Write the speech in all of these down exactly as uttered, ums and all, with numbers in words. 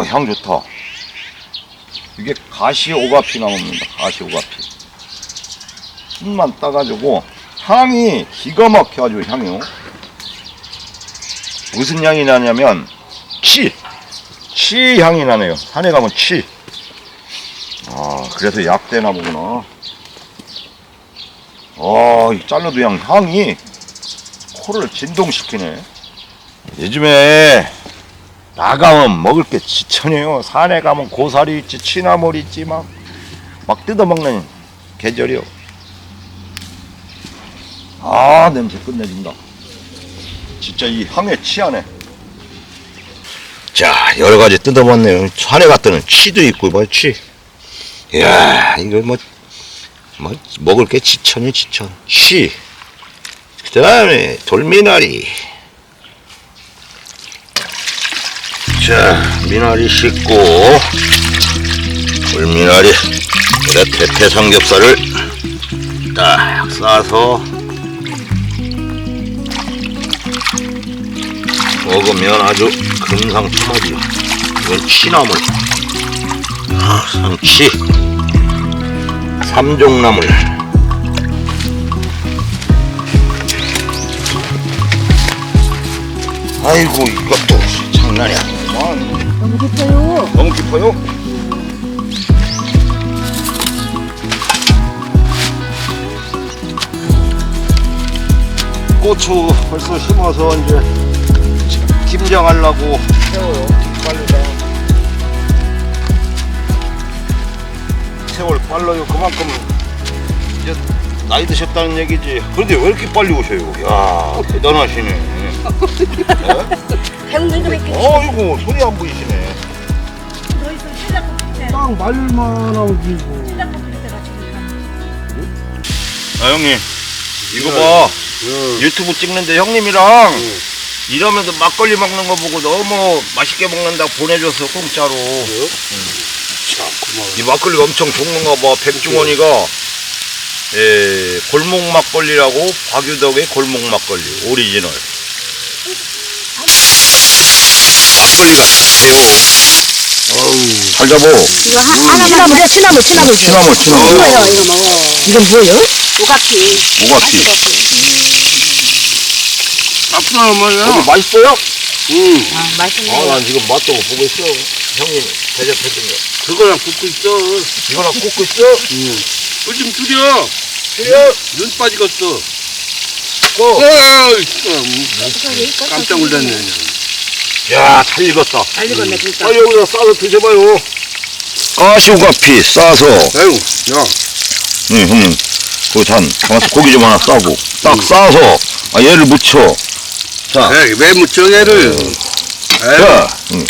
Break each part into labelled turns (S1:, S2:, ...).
S1: 향 좋다. 이게 가시오가피 나무입니다. 가시오가피. 순만 따가지고 향이 기가 막혀가지고 향이요. 무슨 향이 나냐면 치! 치 향이 나네요. 산에 가면 치. 아, 그래서 약대나 보구나. 아, 이 잘라도 향, 향이 코를 진동시키네. 요즘에 나가면 먹을 게 지천이에요. 산에 가면 고사리 있지, 취나물 있지, 막, 막 뜯어먹는 계절이요. 아, 냄새 끝내준다. 진짜 이 향에 취하네. 자, 여러 가지 뜯어봤네요. 산에 갔더니 취도 있고, 뭐, 취. 이야, 이거 뭐, 뭐, 먹을 게 지천이 지천. 취. 그 다음에 돌미나리. 자, 미나리 씻고, 돌미나리, 그래, 대패 삼겹살을 딱 싸서 먹으면 아주 금상첨화지요. 이건 취나물, 아, 상치, 삼종나물. 아이고, 이것도 장난이 아니야.
S2: 너무 깊어요.
S1: 너무 깊어요? 고추 벌써 심어서 이제 김장하려고 세워요. 빨리다. 세월 빨라요. 그만큼 이제 나이 드셨다는 얘기지. 그런데 왜 이렇게 빨리 오셔요? 야, 대단하시네. 네?
S2: 배우는 거 몇 개.
S1: 어이구, 손이 안 보이시네.
S2: 너 있으면 신랑도 필 때.
S3: 딱 말만 하고 지고.
S2: 신랑도 필 때가 지금.
S1: 아, 형님, 이거 봐. 유튜브 찍는데 형님이랑 이러면서 막걸리 먹는 거 보고 너무 맛있게 먹는다고 보내줘서 공짜로. 응.
S3: 자, 고마워.
S1: 이 막걸리가 엄청 좋은가 봐. 백종원이가 예, 골목 막걸리라고, 박유덕의 골목 막걸리 오리지널. 막걸리가 좋대요.
S3: 어우.
S1: 잘 잡어.
S2: 이거 하, 하나만. 치나물이야, 치나물, 치나물.
S1: 취나물, 취나물.
S2: 이거요, 이거 먹어. 이건 뭐예요? 오가피.
S1: 오가피.
S3: 나쁜 엄마야.
S1: 여기 맛있어요?
S3: 응.
S2: 아, 맛있네.
S1: 아, 난 지금 맛도 못 보고 있어. 형님 대접해준 거.
S3: 그거랑 굽고 있어.
S1: 이거랑 꽂고 있어?
S3: 응. 꿀좀 줄여.
S1: 그래요?
S3: 눈 빠지겠어.
S1: 어.
S3: 어이, 참. 깜짝 놀랐네.
S1: 야, 잘 익었다.
S2: 잘 익었네, 진짜.
S1: 아, 여기다 싸서 드셔봐요. 가시오가피 싸서.
S3: 아유, 야.
S1: 응, 형님. 그 잔, 가만있어. 고기 좀 하나 싸고. 딱 싸서, 아, 얘를 묻혀. 자,
S3: 에이, 왜 묻혀, 얘를. 에이.
S1: 자, 응.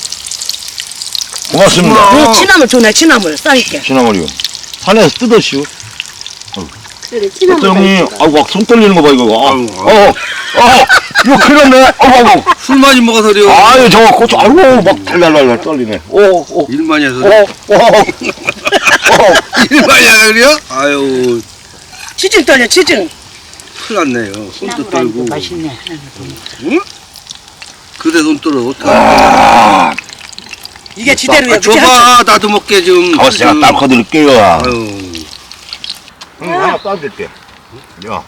S1: 고맙습니다.
S3: 고마워.
S2: 이 치나물 좋네, 치나물. 싸니까.
S1: 지나가리요. 산에서 뜯으시오.
S2: 그래,
S1: 어때,
S2: 치나물.
S1: 형님? 아우, 막 손 떨리는 거 봐, 이거. 아,
S3: 아유,
S1: 어, 어, 이거 큰일 났네. 아우, 아우.
S3: 술 많이 먹어서 그래요.
S1: 아유, 저거 고추, 아이고, 막 달달달달 떨리네. 오, 오,
S3: 일 많이 해서.
S1: 오, 오, 오.
S3: 일 많이 하서 그래요? 아유,
S2: 치증 떨려, 치증.
S3: 큰일 났네요. 손도 떨고.
S2: 맛있네.
S3: 응? 그래, 손 떨어. 어떡해.
S1: 아,
S2: 이게 지대로야.
S3: 아, 줘봐, 나도 먹게 좀.
S1: 가만있어, 제가 딱 커드릴게요.
S3: 아유.
S1: 응, 하나 따드릴게. 야.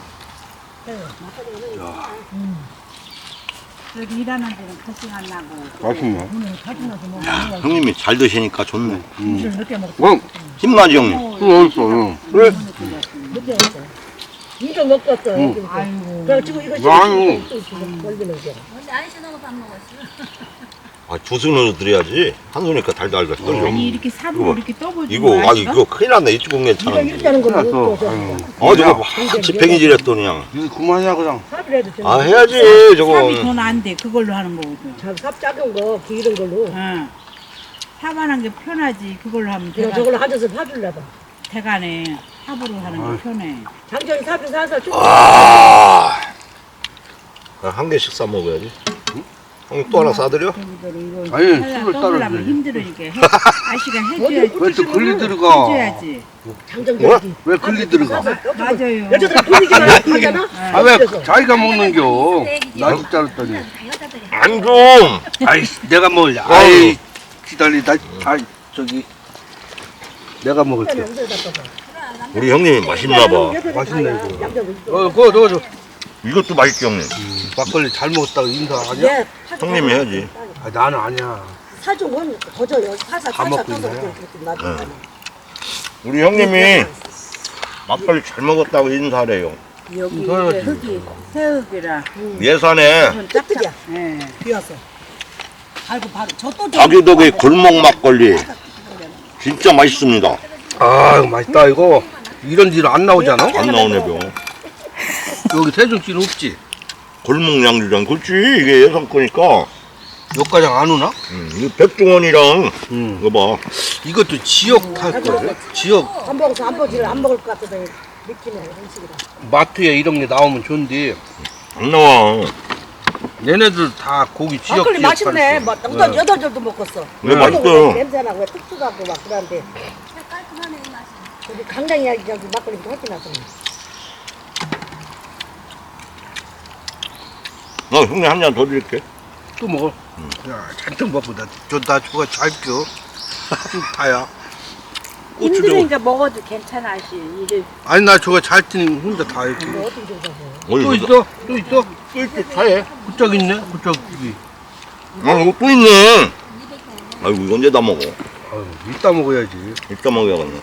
S4: 여기 일하는 데는 고생 안 나고
S3: 맛있네.
S4: 오늘 가지고 나서 먹으면
S1: 형님이 잘 드시니까 좋네.
S4: 술을 늦게 먹고
S3: 어,
S1: 힘나지, 형님?
S3: 술 어딨어, 형.
S1: 그래?
S4: 늦게 했어.
S2: 이거 먹었어.
S4: 아이고
S2: 그래, 지금 이거
S3: 아유.
S2: 걸리는 게.
S1: 아, 두 손으로 드려야지. 한 손이니까 달달달 떨려.
S4: 아니 이렇게 삽으로
S1: 이거,
S4: 이렇게 떠보지
S1: 이거, 아, 이거 큰일 났네. 이쪽은
S2: 이거
S1: 괜찮은데.
S2: 일단은 거
S3: 큰일
S2: 먹고.
S3: 났어. 아유.
S1: 어, 저거 같이 팽이질했더니 그냥.
S3: 이거 그만이야, 그냥.
S2: 삽을 해도 되는
S1: 아, 해야지, 저거.
S4: 삽이 돈 안 돼 그걸로 하는 거거든.
S2: 삽 작은 거, 기른 걸로.
S4: 응. 삽하는 게 편하지 그걸로 하면
S2: 그냥
S4: 대가,
S2: 저걸로 하져서 파줄래봐.
S4: 대간에 삽으로 하는 게 편해.
S2: 장전이 삽을 사서 쭉.
S1: 아. 한 개씩 싸 먹어야지. 형님 또 하나 싸드려?
S4: 저기들이 이거
S3: 아니,
S4: 하려면
S3: 술을
S4: 떠보려면
S3: 따라줘야지.
S4: 힘들으니까 해, 아씨가 해줘야지.
S3: 왜 또 글리 들어가?
S4: 해줘야지.
S2: 장전
S1: 뭐야?
S2: 되지.
S3: 왜 글리 들어가?
S4: 맞아요.
S2: 여자들 분위기만 하잖아.
S3: 아, 왜 자기가 먹는겨? 나도 자랐더니.
S1: 안 좀!
S3: 아이, 내가 뭘, 아이, 기다리다 다 저기 내가 먹을게.
S1: 우리 형님이 맛있나 봐.
S3: 맛있네, 이거.
S2: 양념
S3: 어, 그거 넣어줘.
S1: 이것도 맛있게 형님.
S3: 막걸리 잘 먹었다고 인사 아니야?
S2: 예.
S1: 형님이 해야지.
S3: 아, 나는 아니야.
S2: 사종은 거져요. 살살
S3: 다
S2: 살살
S3: 먹고
S2: 떠서
S3: 있나요?
S2: 그렇게 놔두잖아.
S1: 우리 형님이 막걸리 잘 먹었다고 인사래요.
S4: 여기
S3: 이거
S4: 이제 흙이 새흙이라
S1: 예산에
S4: 좀 짝짝.
S2: 뜻이야.
S4: 예.
S2: 비와서. 알고 바로 저또
S1: 자기덕의 골목 막걸리 진짜 맛있습니다.
S3: 아, 이거 맛있다, 이거. 이런 데는 안 나오잖아?
S1: 안 나오네 병.
S3: 여기 세종시는 없지?
S1: 골목 양주장 그렇지 이게 예산 거니까.
S3: 여기까지 안 오나?
S1: 음, 이 백종원이랑
S3: 응.
S1: 이거 봐.
S3: 이것도 지역 탈 거예요? 지역
S2: 안 먹어서 안 먹지를 안 먹을 것 같아서 느끼는 음식이라.
S3: 마트에 이런 게 나오면 좋은데
S1: 안 나와.
S3: 얘네들 다 고기 지역
S2: 막걸리
S3: 지역
S2: 맛있네.
S3: 팔았어.
S2: 뭐 여덟 여덟 절도 먹었어.
S1: 왜 맛있어요?
S2: 냄새 나고 특수하고 막 그런데. 우리 강당 이야기 저기 막걸리도 훨씬 나서.
S1: 나 형님 한 잔 더 드릴게.
S3: 또 먹어. 야, 잔뜩 먹고 나, 저, 나 저거 잘 껴. 다야.
S4: 힘드니까 먹어도 괜찮아 씨. 이게
S3: 아니, 나 저거 잘 뛰는 혼자 다 이렇게.
S2: 이거 어떻게 줘서.
S1: 어이,
S3: 또
S1: 이거-
S3: 있어? 또 있어?
S1: 또 있어 차에.
S3: 그쪽 있네? 그쪽 여기.
S1: 아 이거 또 있네. 아이고 이거 언제 다 먹어?
S3: 아유, 이따 먹어야지.
S1: 이따 먹어야겠네.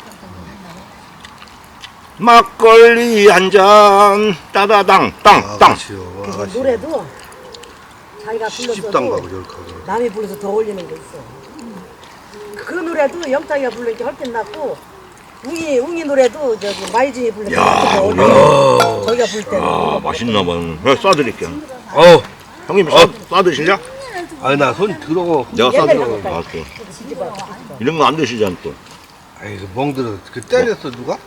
S1: 막걸리 한 잔 따다당 땅땅.
S3: 아가씨요,
S2: 그래서
S3: 아가씨.
S2: 노래도 자기가
S3: 시집당
S2: 불렀어도
S3: 가고 저렇게 하고.
S2: 남이 불러서 더 어울리는 거 있어. 그 노래도 영탁이가 부르니까 헐땐 났고 웅이 웅이 노래도 저기 마이진이 부르니까
S1: 야,
S2: 더 어울려. 저기가 부를 때는.
S1: 아 맛있나 봐. 네, 싸드릴게요.
S3: 어,
S1: 형님 싸, 싸드실래?
S3: 아니, 나 손 들어.
S1: 내가
S2: 옛날에
S1: 싸드려.
S2: 한번
S1: 아, 또.
S2: 뒤집어.
S1: 이런 거 안 드시잖아 또.
S3: 아이, 그 멍들어. 그 때렸어, 누가?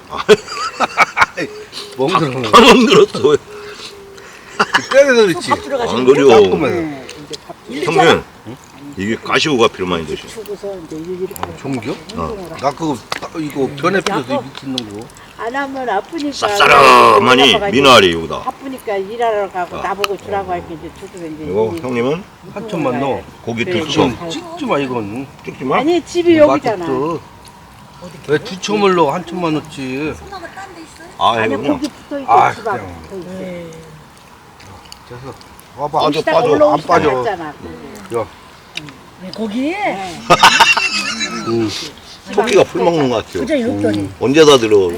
S3: 멍들어.
S1: 다 만들었어. 왜?
S3: 그 때려서 그렇지.
S2: 밥 들어가시는
S1: 안 그려.
S3: 깔끔해.
S1: 형님 이게 가시오가 필요 많이 드셔.
S2: 주고서 이제 이렇게
S3: 종교? 나 그거, 따- 이거 변에 피워서 미치는 거.
S4: 안 하면 아프니까.
S1: 쌉싸름하니
S4: 올라가가지고
S1: 미나리 여기다.
S4: 바쁘니까 일하러 가고 나보고 주라고 할게 이제 주도 이제.
S1: 이거 형님은
S3: 한 천만 넣어.
S1: 고기
S4: 그래,
S1: 두첨.
S4: 그래.
S3: 찍지 마, 이건.
S1: 찍지 마.
S4: 아니 집이 여기잖아.
S3: 맛있어. 왜 두 첨을 넣어? 한 첨만 넣지.
S1: 아
S4: 아니
S1: 이거구나.
S4: 고기 붙어 있고
S3: 아,
S4: 집하고
S3: 그냥.
S4: 붙어 있어.
S3: 그래서 와봐.
S1: 빠져,
S4: 여기다가
S1: 빠져.
S4: 올라오면
S3: 안 빠져.
S4: 잖아
S2: 거기
S3: 응.
S1: 토끼가 풀 먹는 것 같아요.
S2: 굉장히 높더니
S1: 언제 다 들어.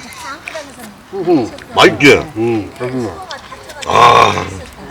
S3: 응.
S1: 맛있지?
S3: 응. 저기는.
S1: 아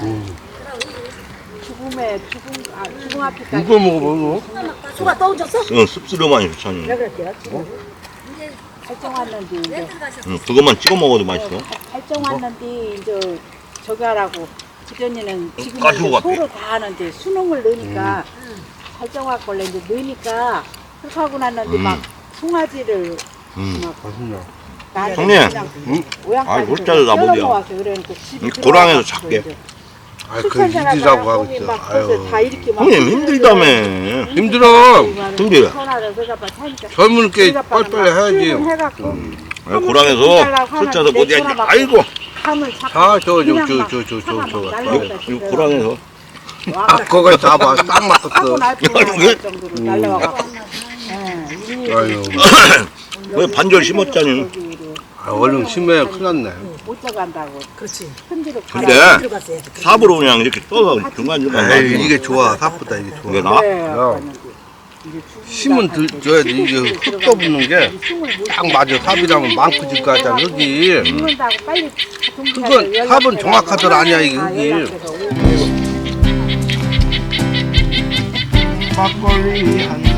S4: 죽음에 죽음 아 죽음 앞에까지.
S3: 이거 먹어봐, 이거.
S2: 수가 떠오졌어?
S1: 이건 씁쓸하니 좋잖니.
S2: 내가 그럴게요.
S4: 발정 왔는데 이제
S1: 응, 그것만 찍어 먹어도 맛있어.
S4: 발정 왔는데 이제 저기 하라고 그전에는 지금
S1: 가지고 갔대.
S4: 소를 다 하는데 수능을 넣으니까 발정 왔걸래 이제 넣으니까 그렇게 하고 났는데
S1: 음.
S4: 막 송아지를
S1: 음.
S4: 막
S3: 맛있냐.
S4: 나를
S1: 형님.
S4: 그냥
S3: 응?
S4: 오양까지
S1: 아이, 홀짜리 나보디야.
S4: 모아서 그러니까 집에
S1: 이 고랑에서
S4: 들어가서
S1: 작게.
S4: 이제
S3: 아, 그
S4: 수천 사람
S3: 일이라고 하고
S4: 거기
S3: 있어.
S4: 막 벌써
S3: 아유.
S4: 다 이렇게 막
S1: 형님 힘들다며.
S3: 힘들어.
S1: 힘들어.
S4: 전화를 그래가 봐 사니까
S3: 젊을 게 빨리빨리 해야지.
S4: 해갖고
S1: 아, 고랑에서 숫자도 못 해야지. 아이고.
S4: 감을 잡고
S3: 자, 저, 저,
S4: 그냥
S3: 저,
S4: 막
S3: 저, 저, 저,
S4: 차가
S3: 저,
S4: 막
S3: 저.
S4: 날라오다
S1: 이
S4: 집에
S1: 고랑에서.
S3: 아, 거기 잡아. 딱
S4: 하고
S3: 맞췄어.
S4: 날뻔
S1: 이게?
S4: 할 정도로 날라와갖고 예,
S3: 아유.
S1: 왜 반절 심었잖니.
S3: 아, 얼른 심해. 큰일 났네.
S4: 못 잡아간다고
S2: 그렇지.
S4: 편지로
S1: 근데
S2: 들어갔어야지.
S1: 삽으로 그냥 이렇게 떠서 중간중간
S3: 에이,
S1: 가지고.
S3: 이게 좋아. 삽보다 이게 좋아.
S1: 이게 나?
S3: 야. 힘은 들, 줘야 돼. 이게 흙 떠붙는 게 딱 맞아. 삽이라면 많고지까 하잖아. 여기.
S4: 죽는다고 빨리
S3: 그건 삽은 정확하더라 아니야, 이게 흙이.
S1: 막걸리 한